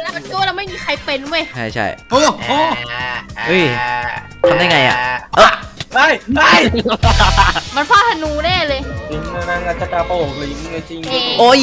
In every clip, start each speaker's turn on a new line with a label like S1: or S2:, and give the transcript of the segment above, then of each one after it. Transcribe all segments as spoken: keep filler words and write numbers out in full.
S1: ก็เราไม่มีใครเป็นเว้ย
S2: ใช่ใช่
S3: โอ้โห
S2: เฮ้ยทำได้ไงอ่ะเออ
S4: ไอ้ไอ้
S1: มันฟาดธนูแน่เลย
S4: ลิงนางจะกาโปงลิงจริง
S2: โอ้ย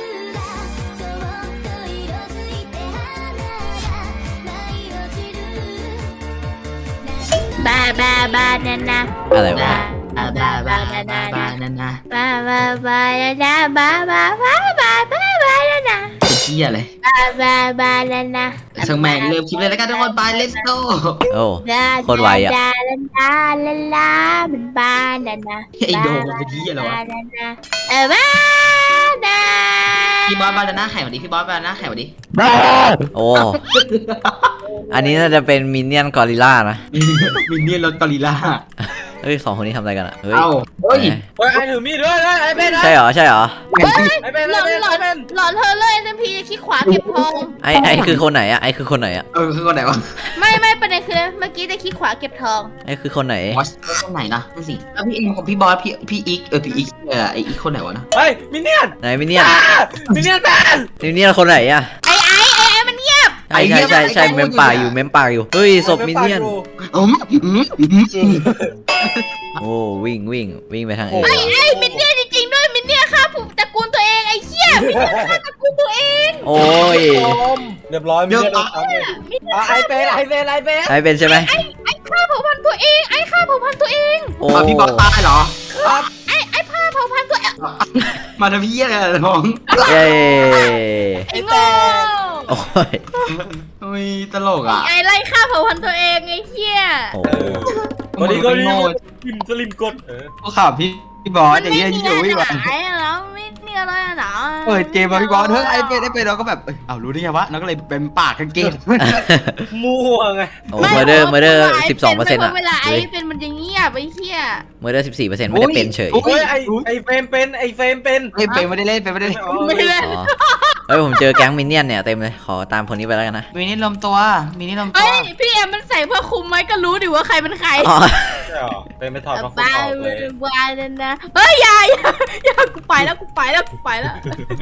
S1: บาบาบานานา
S2: อะไรวะ
S1: บาบาบานานาบานานาบาบาบานานาบาบาบาบาบาบานานา
S3: เป็นเหี้ยเลย
S1: บาบาบานานา
S3: ช่างแม่งเริ่มคลิปเลยแล้วกันทุกคนไป let's go
S2: โอ้โคตรไวอ่ะ
S1: ลาลาลาลาลาเป็นบานานา
S3: ไอโดมเป็นเหี้ยอะไรวะ
S1: เออบานา
S3: พี่บอสบานาน่าแข่งวันนี้พี่บอสบานาน่าแข่งวันนี้
S2: โอ้อันนี้น่าจะเป็นมินเนี่ยนกอริลล่านะ
S3: มินเนี่ยนรถกอริลล่า
S2: เฮ้ยสองคนนี้ทำอะไรกันอ่ะเฮ้ย
S3: เฮ้ย
S4: เฮ้ยไอ้ถือมีดด้วยไอ้เป็น
S2: ใช่เหรอใช่เหรอ
S4: ไอ้เป็น
S1: หลอนหลอนหลอนเธอเลยเอ็มพีขี้ขวาเก็บทอง
S2: ไอ้ไอ้คือคนไหนอ่ะไอ้คือคนไหนอ่ะ
S3: เออคือคนไหนวะ
S1: ไม่ไม่ประเด็นคือเมื่อกี้จะขี้ขวาเก็บทอง
S2: ไอ้คือคนไหน
S3: บอสคนไหนนะนั่นสิแล้วพี่เองของพี่บอสพี่พี่อีกเออพี่อีกเออไออีกคนไหนวะนะ
S4: เฮ้ยมินเนี่ยน
S2: ไหนมินเนี่ยน
S4: มินเนี่ยนแมน
S2: มินเนี่ยนคนไหนอ่ะ
S1: ไอ้ไอ้ไอ้ไอ้มันเงียบ
S2: ใช่ใช่ใช่ใช่เมมปากอยู่เมมปากอยู่เฮ้ยศพมินเนี่ยน
S3: อืมอืมอืม
S2: โอ้วิ่งวิ่งวิ่งไปทางเอ
S1: ไอ้ไอ้มินเนี่ยจริงๆด้วยมินเนี่ยฆ่าผมตระกูลตัวเองไอ้เหี้ยมินเนี่ยฆ่าตระกูลตัวเอง
S2: โอ้ย
S4: เรียบร้อยมินเนี่ยนไอ้เป็นไอ้เป็นไอ้เป็น
S2: ไอ้เป็นใช่ไหม
S1: ไอ้ไอ้ฆ่าเผ่าพันธุ์ตัวเองไอ้ฆ่าเผ่าพันธุ์ตัวเอง
S2: โอ้
S3: พี่บอสตายเหรอ
S1: ไอ้ไอ้ฆ่าเผ่าพันธุ์ตัวเอง
S3: มาทำพี่อะไรน้อง
S2: เย้
S1: ไอ้โง่
S2: โอ้ย
S3: โอ้ยตลกอ่ะ
S1: ไอ้ไล่ฆ่าเผ่าพันธุ์ตัวเองไอ้เหี้ย
S2: โอ้
S4: ก็ดีก็ดีสลิมสลิมกดเออ
S3: ก็ข่าวพี่พี่บอสอย่างเงี้ยที่อยู่พี่บอส
S1: ไอ้แล้วไม่เนี่ยอะไรอ่ะนะ
S3: เปิดเกมมาพี่บอสเฮ้ยไอ้เป็นไอ้เป็นเราก็แบบเอ้ารู้ได้ไงวะเราก็เลยเป็นปากกันเกม
S4: มั่วไง
S2: โอ้เมอร์เดอร์เมอร์เดอร์สิบสองเปอร์เซ็นต์อ่ะ
S1: เวลาไอ้เป็นมันจะเงียบไอ้เหี้ย
S2: เมอร์เดอร์สิบสี่เปอร์เซ็นต์ไม่ได้เป็นเฉย
S4: เฮ้ยไอ้ไอ้เฟรมเป็นไอ้เฟรมเป็น
S3: ไอ้เป็นไม่ได้เล่นเป็นไม่ได้
S1: ไม่ได้เล่น
S2: เฮ้ยผมเจอแก๊งมินเนี่ยนเนี่ยเต็มเลยขอตามคนนี้ไปแล้วกันนะ
S3: มินี่ลมตัวมินี่ลมตัว
S1: เฮ้ยพี่เอ็มมันใส่เพื่อคุมไหมก็รู้ดิว่าใครเป็นใคร
S4: เป็นไม่ถอดมาคุมออกเลย
S1: บ้าเลยนะเฮ้ยอย่าอย่าอย่ากูไปแล้วกูไปแล้วกูไปแล้ว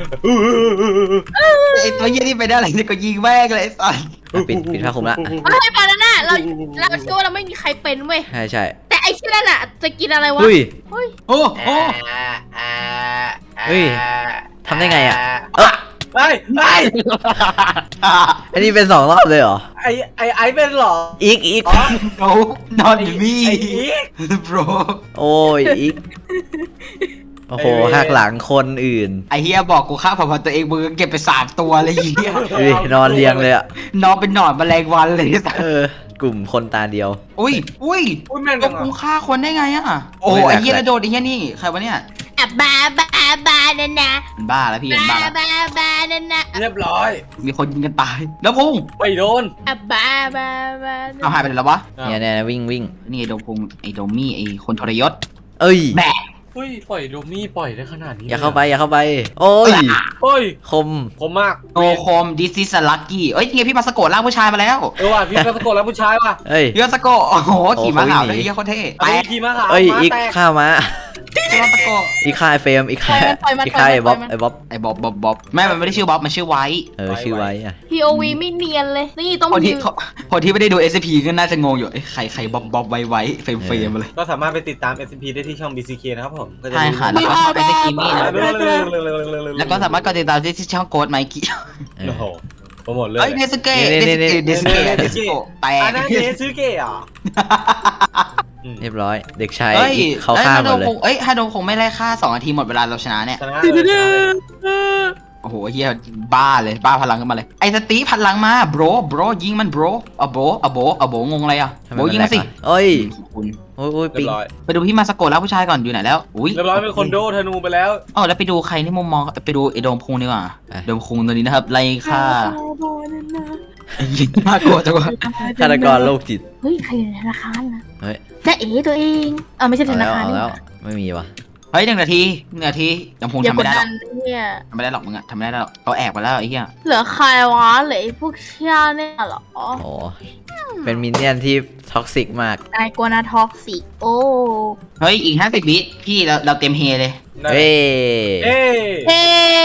S3: ไอ้ตัวยี่นี่ไปได้อะไรเนี่ยก็ยิงแม่งเลยไอ้
S2: ปิดปิดผ้าคลุมละ
S1: เฮ้ยบานาน่าเราเราเชื่อว่าเราไม่มีใครเป็นเว้ย
S2: ใช่ใช่
S1: แต่ไอ้ชื่อนั่นอะจะกินอะไรวะ
S2: เฮ้ย
S1: เฮ้ย
S3: โอ้โห
S2: เฮ้ยทำได้ไงอ่ะเออ
S4: ไอ้ไอ้
S2: อันนี้เป็นสองรอบเลยเหรอ
S4: ไอ้ไอ้ไอ้เป็นหรอ
S2: อีกอีก
S3: โน้นอนมีโบร
S2: โอ้ยอีกโอ้โหหักหลังคนอื่น
S3: ไอเฮียบอกกูฆ่าเผ่าพันธุ์ตัวเองมึงเก็บไปสามตัวเลยเฮีย
S2: นอนเรียงเลยอะ
S3: นอนเป็นหนอนแมลงวันเลย
S2: เออกลุ่มคนตาเดียว
S3: อุ้ยอุ้ยก็กูฆ่าคนได้ไงอะโอ้ไอเฮียระโดดไอเฮียนี่ใครวะเนี่ย
S1: อ่ะบ้าบ้าบ้านั่นนะ
S3: บ้าแล้วพี่เป็นบ้า
S1: บ้าบ้านั่นนะ
S4: เรียบร้อย
S3: มีคนยิงกันตายแล้วพุ่ง
S4: ไปโดน
S1: อ่ะบ้าบ้าบ้า
S3: เอาหายไปแล้ววะ
S2: เนี่ยเนี่ยวิ่งวิ่ง
S3: นี่ไอโดมพุ่งไอโดมี่ไอคนทรยศ
S2: เอ้ย
S3: แบะ
S4: เฮ้ยปล่อยโดมี่ปล่อยได้ขนาดนี้
S2: อย่าเข้าไปอย่าเข้าไปโอ้ย
S4: เฮ้ย
S2: คม
S4: คมมาก
S3: โอ้คมดิซิสลักกี้เอ้ยเนี่ยพี่มาสะกดร่างผู้ชายมาแล้ว
S4: เออว่ะพี่มาสะกดแล้วผู้ชายว่ะ
S2: เฮ้ย
S3: พี่มาสะกดโอ้โหขี่ม้าขาวเลยเฮียโคตรเท่
S4: ไปขี่ม้าขาว
S2: เอ้ยอีกข้ามา
S3: พี่มาสะกด
S2: อีกข้าไอเฟรมอีกข้าอีกข้าไอบ๊อบไอบ๊อบ
S3: ไอบ๊อบบ๊อบบ๊อบแม่มันไม่ได้ชื่อบ๊อบมันชื่อไวท์
S2: เออชื่อไวท์อะ
S1: พี โอ วี ไม่เนียนเลยนี่ต้อง
S3: คนที่คนที่ไม่ได้ดู เอส พี ก็น่าจะงงอยู่ใครใครบ๊อบบ๊อบไวท์ไวท์เฟรมเฟรมเลย
S4: ก็สามารถไปติดตาม เอส พี ได้ที่ช่อง บี ซี เค นะครับผม
S3: ใช่ค่ะแล้วก็ไปสกีมี่นะแล้วก็สามารถกดติดตามที่ช่องโค้ดไมค์กี้
S4: โอ้โหโปรโมทเลย
S3: เฮ้ยเนสเก้เนสเก้เนสเก้เนสเก้แต่
S4: อันนั้นเนสเก้อ่ะ
S2: เรียบร้อยเด็กชายเขาฆ่าหมดเลย
S3: เอ้ยฮาโดคงไม่ไล่ฆ่าสองนาทีหมดเวลาเราชนะเนี่ยโอ้โหเฮียบ้าเลยบ้าพลังขึ้นมาเลยไอ้สตีพลังมาโบรโบรยิงมันโบรอะโบอะโบอะโบงงอะไรอ่ะโบยิงมาสิ
S2: เอ้ยโอ้ยปี
S3: ไปดูพี่มาสโกแล้วผู้ชายก่อนอยู่ไหนแล้วอุ้ย
S4: เรียบร้อยเป็นคนโดธนูไปแล้ว
S3: อ๋อแล้วไปดูใครที่มุมมองไปดูไอ้โดมคุงดีกว่าโดมคุงตัวนี้นะครับไล่ฆ่ายิงน่ากลัวจังวะ
S2: ฆาตกรโรคจิต
S1: เฮ้ยใครอยู่ในธนาคารนะ
S2: เฮ้ย
S1: แต่เอ๋ตัวเองเออไม่ใช่ธนาคาร
S2: แล้วไม่มีวะ
S3: เฮ้ยหนึ่งนาทีหนึ่งนาทียังคงทำไม่ได้หรอกทำไม่ได้หรอกมึงอะทำไม่ได้หรอกเขาแอบไปแล้วไอ้เหี้ย
S1: เหลือใครวะเหลือพวกเชี่ยเนี่ยหรอ
S2: โอ้เป็นมินเนี่ยนที่ท็อกซิกมาก
S1: นายกวนาท็อกซิกโอ้
S3: เฮ้ยอีกห้าสิบวิพี่เราเราเต็มเฮเลย
S2: เฮ้
S4: เฮ้
S1: เฮ้
S4: โอ้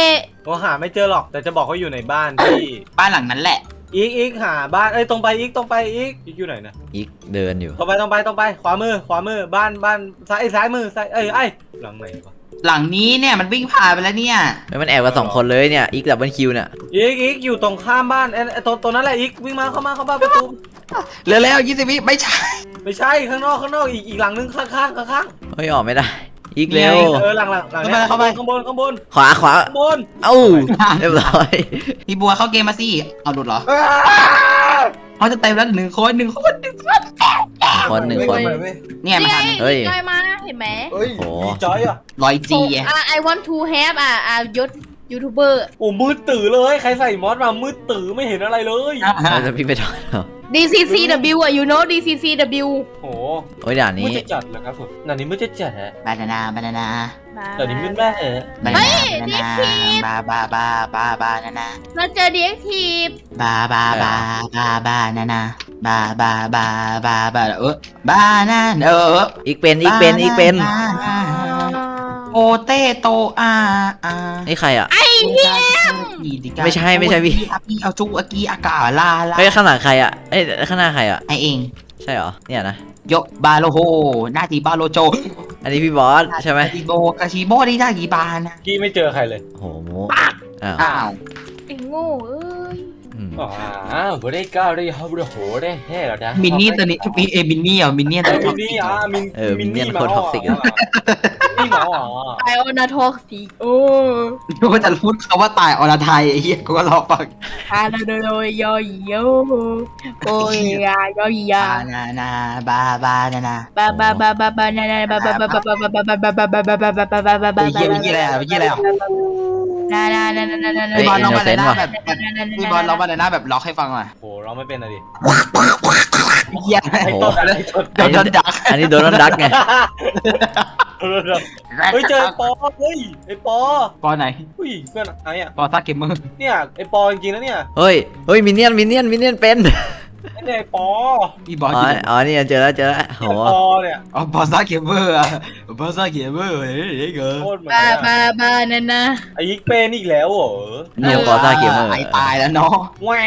S4: ผมหาไม่เจอหรอกแต่จะบอกว่าอยู่ในบ้านที่
S3: บ้านหลังนั้นแหละ
S4: อีกอีกหาบ้านเอ้ยตรงไปอีกตรงไปอีกอีกอยู่ไหนนะ
S2: อีกเดินอยู่
S4: ตรงไปตรงไปตรงไปขวามือขวามือบ้านบ้านซ้ายซ้ายมือซ้ายเอ้ยไอ้หลังไหนวะ
S3: หลังนี้เนี่ยมันวิ่งผ่านไปแล้วเนี่ย
S2: เฮ้ยมันแอบกันสองคนเลยเนี่ยอีกดับเบิลคิวเนี่ย
S4: อีกอีกอยู่ตรงข้ามบ้านไอ้ไอ้ตรงตรงนั้นแหละอีกวิ่งมาเข้ามาเข้ามาประตู
S3: เร็วแล้วยี่สิบวิไม่ใช่
S4: ไม่ใช่ข้างนอกข้างนอกอีกอีกหลังนึงข้างข้างข้างข้าง
S2: เฮ้ยออกไม่ได้อีกเร็ว
S4: เออหลังหลังหลังเนี่ยข้างบนข้างบนข้างบน
S2: ขวาขวา
S4: ข้างบน
S2: เอ้าเรียบร้อย
S3: พี่บัวเข้าเกมมาสิเอาหลุดเหรอเขาจะเต็มแล้วหนึ่งคนหนึ่งคนหนึ่งคน
S2: คนหนึ่งคน
S3: เนี่ยมันทัน
S2: เฮ้ย
S1: จอยมาเห็นไหม
S4: เฮ้ย
S2: โอ้
S4: มีจอยอ่ะ
S3: ร้อยจี
S1: อ่ะ I want to have อ่ะอ่ะยศยูทูบเบอร์
S4: โอ้มืดตื่อเลยใครใส่มอสมามืดตื่อไม่เห็นอะไรเลย
S2: เราจะพี่ไปทอดเหรอ
S1: ดี ซี ซี ดับเบิลยู อ่ะ you know ดี ซี ซี ดับเบิลยู
S4: โอ้
S2: โอ้ยด่าน
S4: มื
S2: นี้
S4: ดจะจัดเหรอครับผมนั่นนี่มืดจะจัดฮะ
S3: บานานาบานานา
S4: แต่นี่มืดแม่เหรอบ
S3: านานาบาบาบาบาบานานา
S1: เราเจอดีแอคทีฟ
S3: บาบาบาบาบานานาบาบาบาบาบาเออบานาเออ
S2: อีกเป็นอีกเป็นอีกเป็น
S3: โอเตโตอาอา
S2: นี่ใครอ่ะ
S3: ไม่
S2: ไม่ใช่ไม่ใช่พี่
S3: พี่เอาจุอากีอากาลาลา
S2: เฮ้ยข้างหลังใครอ่ะเอ้ยข้างหน้าใครอ่ะ
S3: ไอเอง
S2: ใช่เหรอเนี่ยนะ
S3: ยกบาโลโฮหน้าทีบาโลโจ
S2: อันนี้พี่บอสใช่ไหม
S3: กาชิโบกาชิโบได้ได้กี่บานะ
S4: กี้ไม่เจอใครเลย
S2: โอ้โหโมอ้าว
S3: อ้าว
S1: ไอ้โง่เอ้ย
S2: อืม
S4: อ๋อบ่ได้ก้าวได้ฮับได้โหได้แห่แล้วนะ
S3: มินนี่ตัวนี้มีเอมินนี่เหรอมินนี่
S4: ไอ้
S3: ตัว
S4: มิน
S3: นี้
S4: นี่อ่ะมิน
S2: เออมินเนี่ยนโคตรท็อกซิกอะ
S4: นี่หมออ๋อ
S1: ไอโอนาทอกสีโอ้
S3: กูก็จะพูดคำว่าตายอรไทยไอ้เหี้ยกูก็รอฟัง
S1: อาโดโดโดโยโยโอ้ยยาโยยา
S3: บานานาบาบานานา
S1: บาบาบาบาบานานาบาบาบาบาบาบาบาบาบาบาบาบาบาบาบาบาบา
S3: ไอ้เหี้ยเมื่อกี้อะไรอ่ะเมื่อกี้อะไรอ่ะ
S1: นานานานานานานา
S3: พี่บอลลองมาในหน้า
S2: ว่ะ
S3: แบบพี่บอลลองมาในหน้าแบบล็อกให้ฟังหน่อย
S4: โหเราไม่เป็นอะไรดิ
S3: เหี้ย
S4: ไอ้ต้นอะไรต้น
S3: โดนโดนดัก
S2: อันนี้โดนดักไง
S4: เฮ้ยเจอปอเฮ้ยไอ้ปอ
S3: ปอไหน
S4: อุ้ยเพื่อนไอ้อะ
S3: ปอซ่าเกมเมอร์
S4: เนี่ยไอ้ปอจริงๆนะเนี่ย
S2: เฮ้ยเฮ้ยมินเนี่ยนมินเนี่ยนมินเนี่ยนเป็น
S4: ไอ้เนี่ยไอ้ปอ
S3: พี่บอล
S2: อ๋ออ๋อนี่เจอแล้วเจอแล้วโห
S4: ไอ้ปอเนี่ย
S3: อ๋อปอซ่าเกมเมอร์อ่ะปอซ่าเกมเมอร์เฮ้ยเกิน
S4: โคตรเหมือน
S1: บา
S4: กัน
S1: บาบานานา
S4: ไอ้ยิกเป็นอีกแล้วเหรอ
S2: เนี่ยปอซ่าเกมเมอร์
S3: ไอ้ตายแล้วเนาะ
S4: แหวน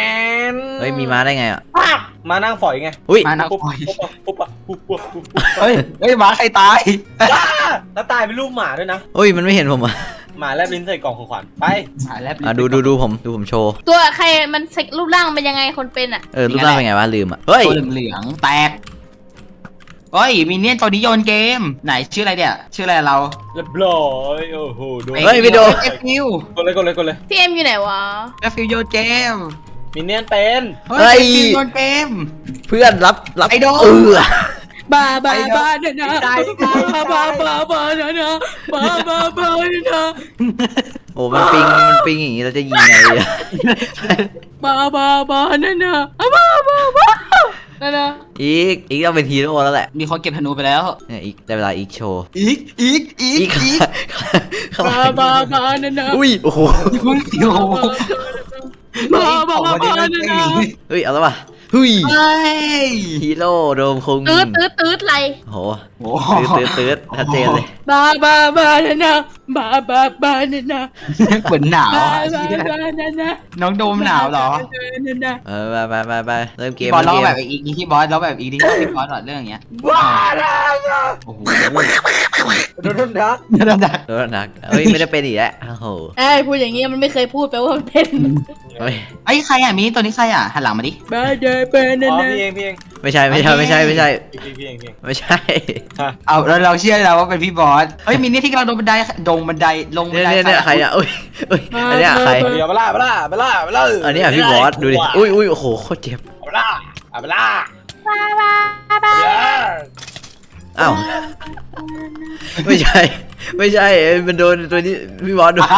S2: เฮ้ยมีม้าได้ไงอ่ะ
S4: มานั่งฝอยไง
S2: อุ้ย
S3: มานัก
S4: ปุ๊บ
S3: ปล่อย
S4: ปุ๊บปุ๊บปุ๊บปุ๊บปุ๊บปุ๊บ
S3: เฮ้ยเฮ้ยหมาใครตาย
S4: แล้วตายเป็นรูปหมาด้วยนะ
S2: อุ้ยมันไม่เห็นผมอ่ะ
S4: หมาแลบลิ้นใส่กล่องของขวัญไป
S3: หาแล้ว
S2: อ่ะดูดูดูผมดูผมโชว์
S1: ตัวใครมันเซ็กรูปร่างเป็นยังไงคนเป็นอ่ะ
S2: เออรูปร่างเป็นไงวะลืมอ่ะเฮ้ย
S3: ตัวเหลืองๆแตกเฮ้ยมินเนี่ยนตัวนี้โยนเกมไหนชื่ออะไรเนี่ยชื่ออะไรเรา
S4: เรียบร้อยโอ้โหโดน
S2: เฮ้ยไม่โดน
S3: เอฟฟิว
S4: กดเลยกดเลยกดเลย
S1: พี่เอ็มอยู่ไหนวะ
S3: เอฟฟิวโยนเกม
S4: มินเนี่ยนเป็น
S3: เฮ้ยเอฟฟิวโยนเกม
S2: เพื่อนรับรับ
S3: ไอ้โดน
S2: เออบ
S1: าบาบานานาบาบาบาบานานาบาบาบานานา
S2: โอ้มันปิงมันปิงอย่างงี้เราจะยิงไงอะ
S1: บาบาบานานาบาบาบานานา
S2: อีกอีกต้องเป็นฮีโร่แล้วแหละ
S3: มีคนเก็บธนูไปแล้ว
S2: เนี่ยอีกได้เวลาอีกโชว์
S3: อีกอีกอีก
S2: อีก
S3: อีก
S2: ข้างห
S1: บา
S2: ลัง
S1: บาบานานา
S2: อุ้ยโอ้โห
S3: มึงโอ้โห
S1: บาบาบาบานานา
S2: เฮ้ยเอาแล้วป่ะเฮ้ย
S3: เฮ้ย
S2: ฮีโร่โดมคง
S1: ตืดตืดตืดอะไร
S2: โอ้โห
S3: โอ้
S2: ตืดตืดตืดชัดเจนเลย
S1: บาบาบานานาบาบาบานานา
S3: เหมือนหนาว
S1: บา
S3: อ่ะ
S1: บาบานานา
S3: น้องโดมหนาวเหรอ
S1: นานา
S2: เออไปไปไปไปเริ่มเกม
S3: บอลร้อง
S2: เริ่ม
S3: แบ
S2: เก
S3: บ
S2: ม
S3: อีกทีที่บอสร้องแบบอีกทีที่บอสหลอดเรื่องอย่างเงี้ย
S4: ว้าแล้ว
S3: โอ้โห
S4: โดนดัก
S3: นั่นน่ะ
S2: โดนหนักเฮ้ยไม่ได้เป็นอีกแล้วโอ้โห
S1: ไอ้พูดอย่างเงี้ยมันไม่เคยพูดแปลว่ามันเป็น
S2: เฮ้ย
S3: ไอ้ยใครอ่ะมีตัวนี้ใครอ่ะหันหลังมาดิ
S1: บาเดเปน
S4: อ๋อ
S1: นา
S4: พี่เองพี่เอง
S2: ไม่ใช่ไม่ใช่ไม่ใช่ไม่ใช่
S4: พี่พี่เองพี่เอง
S2: ไม่ใช่
S3: เอาเราเราเชื่อแล้วว่าเป็นพี่บอสเฮ้ยมีนี่ที่เราลงบันไดลงบันไดลงบั
S2: เนี่ย
S3: นได
S2: เนี่ยเนี่ยใครอ่ะอุ้ยอุ้ยอันเนี้ยใคร
S4: เดี๋ยวไปล่าไปล่าไปล่าไปล่า
S2: อันเนี้ยพี่บอสดูดิอุ้ยอุ้ยโอ้โหโคตรเจ็บ
S4: ไปล่าไปล่า
S1: บาบาบา
S2: อ้าวไม่ใช่ ไม่ใช่เอ้ยมันโดนตัวนี้พี่บอสโดน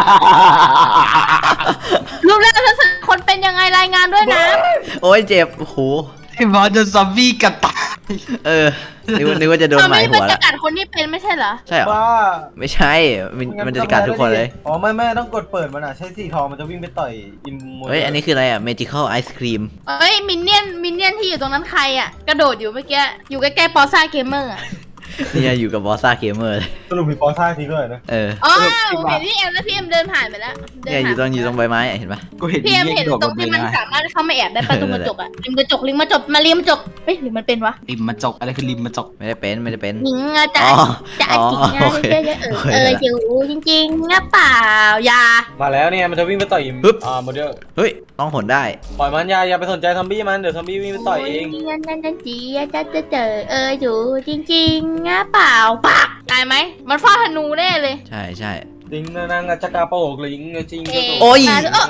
S1: รูปร่างลักษณะคนเป็นยังไงรายงานด้วยนะ
S2: โอ้ยเจ็บโอ้โห
S3: พี่บอสโดนซอมบี้กัดตาย
S2: เออนึกว่านึกว่าจะโดน
S1: ทำ
S2: ห
S1: ไม
S2: มาย
S1: มั
S2: หั
S1: น
S2: ว
S1: จะ
S2: ละ
S1: กัดคนที่เป็นไม่ใช่เหรอ
S2: ใช่เหรอ
S4: บ้า
S2: ไม่ใช่มันมันจะกัดทุกคนเลย
S4: อ๋อไม่ไม่ต้องกดเปิดมันอ่ะใช้สีทองมันจะวิ่งไปต่อยอิมมู
S2: เฮ้ยอันนี้คืออะไรอ่ะ magical ice cream
S1: เฮ้ยมินเนี่ยนมินเนี่ยนที่อยู่ตรงนั้นใครอ่ะกระโดดอยู่เมื่อกี้อยู่ใกล้ๆปอซ่าเกมเมอร์อ่ะ
S2: เนี่ยอยู่กับบอสซ่าเกมเมอร์เลย
S4: สรุปมีปอซ่าทีด้วยนะ
S2: เออ
S1: อ๋อเห็นพี่เอ็มแล้วพี่เอ็มเดินผ่านไปแล้วเดิ
S2: เนี่ยอยู่ตรงอยู่ตรงใบไม้เห็นปะ
S3: กูเห็น
S1: พี่เอ็ม
S3: เหี้ย
S1: เห็น
S3: โดด
S1: ตร
S3: มาง เล
S1: ที่
S3: ย
S1: มัน
S3: นะ
S1: สามารถเข้ามาแอบได้ประตูกระจกอะริมกระจกริมกระจกมาริมกระจกเฮ้ยหรือมันเป็นวะ
S3: ริมมาจกอะไรคือริมมาจก
S2: ไม่ได้เป็นไม่ได้เป็น
S1: หญิงอะจะ
S2: อ๋อ
S1: จะ
S2: อ๋อ
S1: จิกงา
S2: โอน เค
S1: เยอะๆเออ
S2: โอเค
S1: เอออยู่จริงๆนะเปล่าอย่า
S4: มาแล้วเนี่ยมันจะวิ่งไปต่อย
S2: ปึ๊บ
S4: อ่าโมเดล
S2: เฮ้ยต้องหนได้
S4: ปล่อยมันอย่าอย่าไปสนใจซอมบี้มันเดี๋ยวซอมบี้วิ่งไปต่อยเอง
S1: โยนั่นนั่นจีจะจะเจอเอออยู่จริงๆนะเปล่าปักตายไหมมันฟาดธนูแน่เลย
S2: ใช่ใช่
S4: ลิงนะนางอาจจะกาโปกลิงจริง
S1: เอ๊ะ
S2: โอ้ย
S1: เออ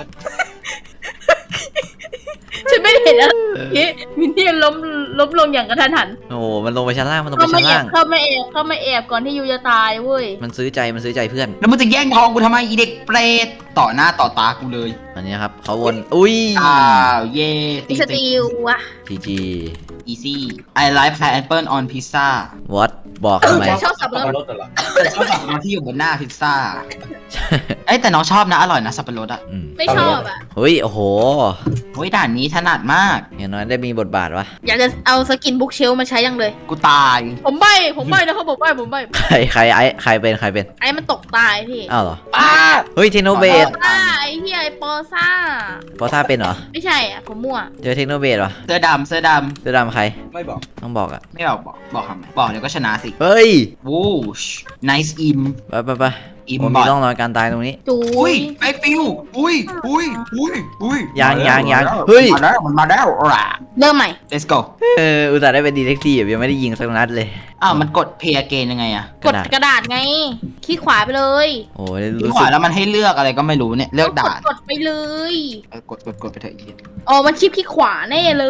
S1: ฉันไม่ได้เห็นอะไรมินเนี่ยนล้มล้มลงอย่างกระทันหัน
S2: โอ้โหมันลงไปชั้นล่างมันลงไป
S1: เข้ามา
S2: ชั้น
S1: แอ
S2: ล่า
S1: บ
S2: ง
S1: เข้ามาแอบเข้ามาแอบก่อนที่ยูจะตายเว้ย
S2: มันซื้อใจมันซื้อใจเพื่อน
S3: แล้วมึงจะแย่งทองกูทำไมอีเด็กเปรตต่อหน้าต่อตากูเลย
S2: อันนี้ครับเขาวนอุ้ย
S3: อ้าวเย่
S1: มีสติลวะ
S2: จีจี
S3: อีซี่ I like pineapple on pizza
S2: วอตบอกทำไม
S1: ชอบสับปะรด
S4: รถเหรอ
S3: แต่ชอบสับปะรดที่อยู่บนหน้าพิซซ่าเอ้ยแต่น้องชอบนะอร่อยนะสับปะรดอ่ะ
S2: อืม
S1: ไม่ชอบอ่ะ
S2: เฮ้ยโอ้โห
S3: โอ้ยด่านนี้ถนัดมาก
S2: อย่างน้อยได้มีบทบาทวะ
S1: อยากจะเอาสกินบุ๊กเชลมาใช้ยังเลย
S3: กูตาย
S1: ผมใบผมใบนะครับผมใบผมใบ
S2: ใครใครไอ้ใครเป็นใครเป็น
S1: ไอ้มันตกตายพี่
S2: อ้าวเหรอ
S4: ป้า
S2: เฮ้ยเทคโนเบส
S1: ซ่าไอ้เฮียไอ้ปอซ่า
S2: พอท่าเป็นเหรอ
S1: ไม่ใช่อ่ะผมมั่ว
S2: เจอเทคโนเบสวะ
S3: เสื้อดำเสื้อด
S2: เสื้อดำใคร
S4: ไม่บอก
S2: ต้องบอกอ่ะ
S3: ำไม่บอกบอกบอกทำไมบอกเดี๋ยวก็ชนะสิ
S2: เฮ้ย
S3: วูช nice im
S2: ไปไปไป
S3: อิม
S2: ผม
S3: บ
S2: มี
S3: อท
S2: ร่องรอยการตายตรงนี้
S1: จู
S3: อุ้ยไอฟิวอุ้ยอุ้ยอุ้ยอุ้ย
S2: ยังยังยัง
S3: มาแล้ว
S2: เฮ้ย
S3: มาแล้วมันมาแล้วอ่ะ
S1: เริ่มใหม่
S3: let's go
S2: เอออุตส่าห์ได้เป็นดีเทคทีฟยังไม่ได้ยิงสักนัดเลย
S3: อ้าวมันกด play again ยังไงอะ
S1: กดกระดาษไงคลิกขวาไปเลย
S2: โอ้ย
S3: ที่
S2: รู้
S3: ข
S2: สึ
S3: วาก แล้วมันให้เลือกอะไรก็ไม่รู้เนี่ยเลือกด่าน
S1: กดไปเลย
S3: เออกดกดกดไปเถอะอีก
S1: อ๋อมันชิปคลิกขวาแน่เลย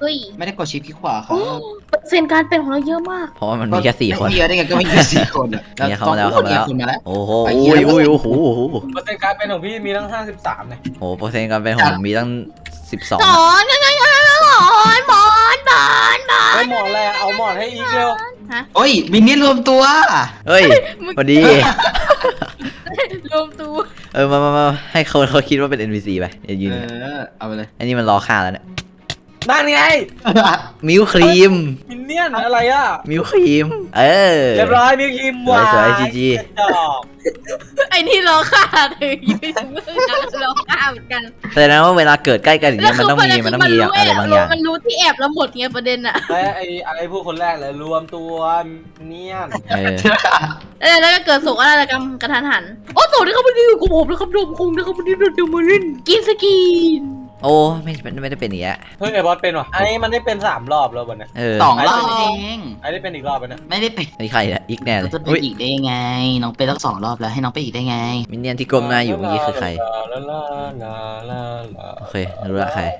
S3: ไม่ได้กดชิปที่ขวาครับ
S1: โอ้เปอร์เซ็นต์การเป็นของเราเยอะมาก
S2: เพราะว่ามันมีแค่สี่คน
S3: ไม่เยอะได้ไงก็ไม่มีแค่สี่คนอะ
S2: เนี่ยเข้ามาแล้วเข้ามาแล้ว
S3: คนมาแล้ว
S2: โอ้โห
S3: ไป
S2: อุ้ย
S3: เหี้ย
S2: อุ้ยโอ้โหโอ้โห
S4: เปอร์เซ็นต์การเป็นของพี่มีตั้งห้าสิบสามเลย
S2: โอ้โหเปอร์เซ็นต์การเป็นของผมมีตั้งสิบสอง
S1: สอนยังไงกันสอนบอนบอนบอน
S4: ไอ้หมอนอะไรอะเอาหมอนให้อีกเร็ว
S1: ฮะ
S3: โอ้ยมินเนี่ยรวมตัว
S2: เฮ้ยพอดี
S1: รวมตัว
S2: เออมามามาให้เขาเขาคิดว่าเป็น เอ็น พี ซี ไปอย่ายืน
S3: เออเอาไปเลย
S2: อันนี้มันรอฆ่าแล้วเนี่ย
S4: นั่นไง
S2: มิวครีม
S4: มินเนี่ยนอะไรอ่ะ
S2: มิวครีม เออ
S4: เรียบร้อยมิวคิมวา
S2: สวยๆ จีจี
S4: กระจอก
S1: ไอ้นี่รอฆ่าเลยยืนมือกันรอฆ่าเหมือนกัน
S2: แสดงว่าเวลาเกิดใกล้กันอย่างเงี้ยมันต้องมีมันต้องมีอะไรบางอย่าง
S1: มันรู้ที่แอบแล้วหมดไงประเด็นอะ
S4: และไอ้ไอ้ผู้คนแรกเลยรวมตัวเนี่ยน
S2: เออ
S1: เออแล้วก็เกิดโศกนาฏกรรมกระทันหันโอ้โศกนี่เขาไม่ได้อยู่กับผมนะครับโดมคงนะครับวันนี้เราจะมาเล่นกินสกีน
S2: โอ้ไม่ไม่ได้เป็นอย่างเงี้ย
S4: เฮ้ยไอ้บอสเป็นวะไอ้มันได้เป็นสามรอบแล้ววันนี้
S2: เออ
S3: สองรอบเอง
S4: ไอ้ได้เป็นอีกรอบไปนะ
S3: ไม่ได้เป็น
S2: ไอ้ใครอะอีกแน่เลย
S3: จะเป็น
S2: อุ้ย
S3: อีกได้ยังไง น้องเป็นตั้งสองรอบแล้วให้น้องไปอีกได้ไง
S2: มินเนี่ยนที่ก้มหน้าอยู่เมื่อกี้คือใคร
S4: ลาลาลาลาลา
S2: โอเครู้ละใคร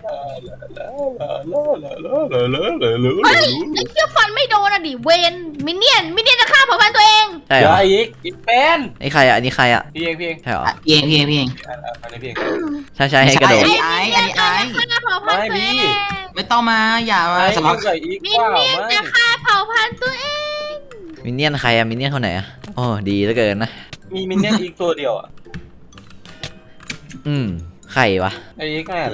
S1: เฮ้ยไอ้เชี่ยฟันไม่โดนอะดิเวนมินเนี่ยนมินเนี่ยนจะฆ่าเผ่าพันธุ์ตัวเอง
S2: ใช่เหร
S4: เดี๋ยว
S2: อ
S4: ไอ้อีกอีกเป็น
S2: ไอ้ใครอะอันนี้ใครอะ
S4: พี่เองพี่เอง
S2: ใช่เหรอ
S3: อ่ะพี่เองพี่เองพี่เอง
S4: อันนี้พี่เอง
S2: ใช่ใช่ให้กระโดด
S3: ไอ้ไอ้ไอ้ไอ้
S1: ฆ่าเผ่าพันธุ์ตัวเอง
S3: ไม่ต้องมาอย่ามา
S4: ไอ้
S3: สำหรับ
S4: ใส่อีก
S1: มิน
S4: ว่า
S1: เนี่ยน
S4: ไม่
S1: จะฆ่าเผ่าพันธุ์ตัวเอง
S2: มินเนี่ยนใครอะมินเนี่ยนคนไหนอะโอ้ดีเหลือเกินนะ
S4: มีมินเนี่ยนอีกตัวเดียวอ่ะ
S2: อืมใครวะ
S4: ไอ้อีกแน่เลย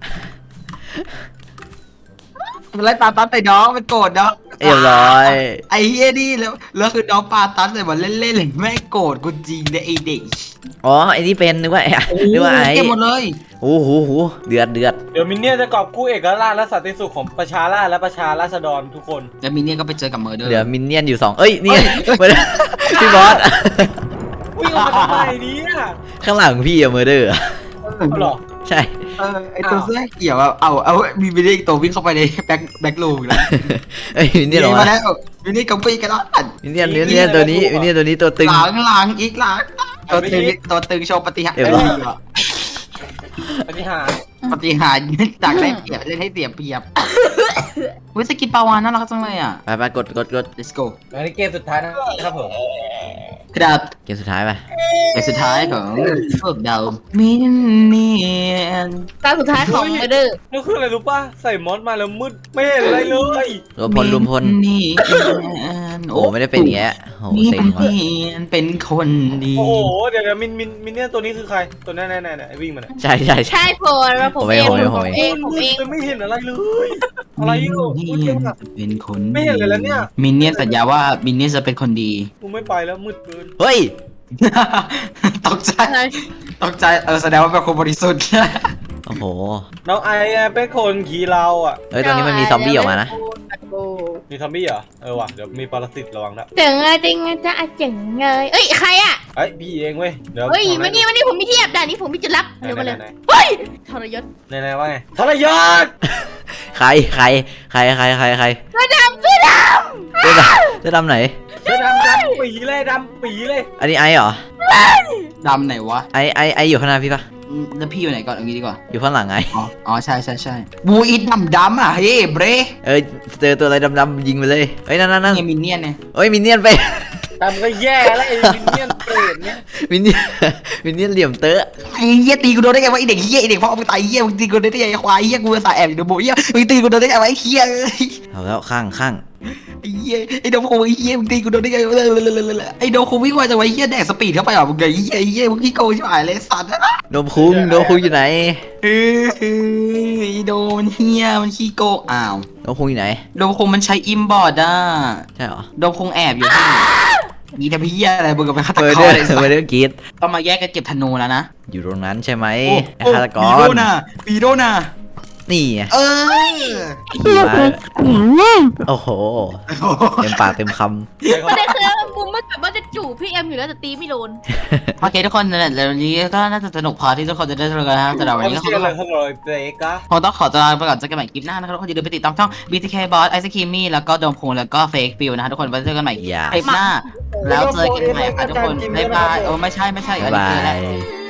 S3: มันไล่ปาตันใส่น้องมันโกรธน้อง
S2: เรียบร้อย
S3: ไอ้เฮียนี่แล้วแล้วคือน้องปาตันใส่มันเล่นๆเลยแม่งโกรธกูจริงเลยไอ้เด็ก
S2: อ๋อไอ้นี่เป็นนึกว่าไอ้นึกว่าไอ้
S3: เก็บหมดเลย
S2: โอ้โหโหเดือดเดือด
S4: เดี๋ยวมินเนี่ยนจะกอบกู้เอกราชและสันติสุขของประชาราษฎร์และประชาราษฎรทุกคน
S3: แล้วมินเนี่ยก็ไปเจอกับเมอร์เดอร์
S2: เหลือมินเนี่ยนอยู่สองเอ้ยเนี่ยพี่บอส
S4: วิ่งออกมาทำไมเนี่ย
S2: ข้างหลังพี่อะเมอร์เดอร์
S4: เอาเหรอ
S2: ใช่
S3: เออไอตัวเสื้อเขียวอะเอาเอามีมินเนี่ยอีกตัววิ่งเข้าไปในแบ็คแบ็คลูมแล้ว
S2: เอ้ยมินเนี่ยนเหรอ
S3: มาว
S2: ะ
S3: แล้วมินเนี่ยกับปีกันแล้ว
S2: มินเนี่ยนมินเนี่ยนตัวนี้มินเนี่ยนตัวนี้ตัวตึง
S3: หลังหลังอีกหลังตัวตึงตัวตึงโชว์ปฏิหาร
S2: เรียบร้อย
S4: ปฏิหารย์
S3: ปฏิหารจากได้เปรียบเล่นให้เสียเปรียบเฮ้ยสกินปลาวานน่ารักจังเลยอ่ะ
S2: ไปไปกดกดกด
S3: let's go
S4: อันนี้เกมสุดท้ายนะครับผม
S3: ครับ
S2: เกมสุดท้ายไป
S3: เกมสุดท้ายของพวกเรามินเนี่ยน
S1: ตาสุดท้ายของเมเดอร์
S4: นี่คืออะไรรู้ป่ะใส่มอสมาแล้วมืดไม่เห็นอะไรเลย
S2: รวมพลรวมพล
S3: นี่
S2: โอ้ไม่ได้เป็นอย่างเงี้ยโอ้
S3: มิน
S2: เซ็งว่ะ
S3: เนี่ยนเป็นคนดี
S4: โอ้โหเดี๋ยวเดี๋ยวมินมินมินเนี่ยตัวนี้คือใครตัวแน่แน่แน่ไอ้วิ่งมาเนี่ย
S2: ใช่ใช่ใช่
S1: ใช่พอแล้วผมเอง
S2: ผมเอง
S1: ผมเองผมเอง
S4: จะไม่เห็นอะไรเลยอะไรอยู่
S3: มิน
S4: พูด
S3: เนี่
S4: เย
S3: ย
S4: อะ
S3: นจะเป็นคน
S4: ไม่เห็นเลยแล้วเนี่ย
S3: มินเนี่ยนสัญญาว่ามินเนี่ยนจะเป็นคนดี
S4: กูไม่ไปแล้วมืดเกิน
S2: เฮ้ย
S3: ตกใจ
S1: อะไร
S3: ตกใจเออแสดงว่าเป็นคนบริสุทธิ์
S2: โอ้โห
S4: น้องไออะเป็นคนขี่เราอ่ะ
S2: เฮ้ยตรงนี้มันมีซอมบี้ออกมานะ
S4: มีซอมบี้เหรอเออว่ะเดี๋ยวมีปรสิตระวังนะ
S1: เจ๋งอะจริงอะจะอะเจ๋งเลยเอ้ยใครอะ
S4: เอ้ยพี่เองเว้ยเดี๋ยว
S1: เฮ้ยมานี่มานี่ผมมีเทียบด่านนี้ผมมีจุดลับ
S4: ไหน
S1: เดี๋ยวมาเลย
S4: ไหน
S1: เฮ้ยทรยศ
S4: ไหนไหนว่าไงทรยศ
S2: ใครใครใครใครใครใคร
S1: เสื้อดำเสื้อด
S2: เสื้อดำเสื้อดำไหน
S4: เสื้อดำดำปีเลยดำปีเลย
S2: อันนี้ไอเหรอ
S3: ดำไหนวะ
S2: ไอไอไออยู่ข้างหน้าพี่ปะ
S3: อืมแล้วพี่อยู่ไหนก่อนเอางี้ดีกว่า
S2: อยู่ข้างหลังไอ
S3: อ๋ออ๋อใช่ใช่ใช่บูอิดดำดำอ่ะเฮ้ยเบร
S2: เอ้ยเจอตัวอะไรดำๆยิงไปเลยเฮ้ยนั่นนั่นนั่น
S3: นี่มินเนี่ยนเนี่ย
S2: เฮ้ยมินเนี่ยนไป
S4: ดำก็แย่แล้วไอ้มินเนี่ยนเปรตเนี่ย
S2: มินเนี่ยนมินเนี่ยนเหลี่ยมเตอะ
S3: ไอ้เหี้ยตีกูโดนได้ไงวะไอ้เด็กเหี้ยไอ้เด็กพ่อมึงตายเหี้ยมึงตีกูโดนได้ไงไอ้ควายเหี้ยกูสายแอบอยู่ในโบเหี้ยมึงตีกูโดนได้ไงวะไอ้เหี้ยเอ้ย
S2: เอาแล้วข้างข้าง
S3: ไอ้เหี้ยไอ้โดมคงไอ้เหี้ยมึงตีกูโดนได้ไงวะไอ้โดมคงวิ่งไวจังวะไอ้เหี้ยแดกสปีดเข้าไปเหรอมึงไงไอ้เหี้ยไอ้เหี้ยมึงขี้โกงชิบหายเลยสัตว์
S2: โดมคุ้งโดมคุ้งอยู่ไหน
S3: เฮ้ยไอ้โดมมันเหี้ยมันขี้โกงอ้าว
S2: โดมคุ้งอยู่ไหน
S3: โดมคงมันใช้อิมบอร์ดอ่ะ
S2: ใช่เหรอ
S3: โดมคงแอบอยู่ที่นี่ทำเหี้ยอะไรมึงกับไปฆาต
S2: เบอร์
S3: ก
S2: เดอ
S3: ร
S2: ร์
S3: เลยสัต
S2: เบอร์
S3: ว์
S2: เดอร์กรีด
S3: ต้องมาแยกกันเก็บธนูแล้วนะ
S2: อยู่ตรงนั้นใช่ไหมไอ้
S3: โอ้
S2: ฆาตก
S3: ปีโด
S2: ร
S3: น่ะปีโดน่ะ
S2: นี่ไง
S3: เออ
S2: ขี่มาโอ้โหเต็มปากเต็มค
S1: ำประเด็นคือบุ้มมันแบบว่าจะจูบพี่เอ็มอยู่แล้วแต่ตีไม่โดน
S3: โอเคทุกคนนั่นแหละแล้ววันนี้ก็น่าจะสนุกพอที่ทุกคนจะได้รู้กันนะครับสำหรับวันนี้ก็ค
S4: เชื่
S3: ง
S4: อ
S3: ต้อง
S4: เลยเขาเลยเบรกอะ
S3: คงต้องขอตัวลาไปก่อนเจอกันใหม่คลิปหน้านะครับทุกคนอย่าลืมไปติดตามช่อง บี ที เค Boss ไอซ์ครีมมี่แล้วก็โดมพงแล้วก็เฟกฟิลนะครับทุกคนไว้เจอกันใหม่
S2: ำอย่า
S3: คลิปหน้า แล้วเจอกันใหม่ค่ะทุกคนบ๊ายบายโอ้ไม่ใช่ไม่ใช่อันนี้
S2: บา
S3: คืออะไร
S2: ย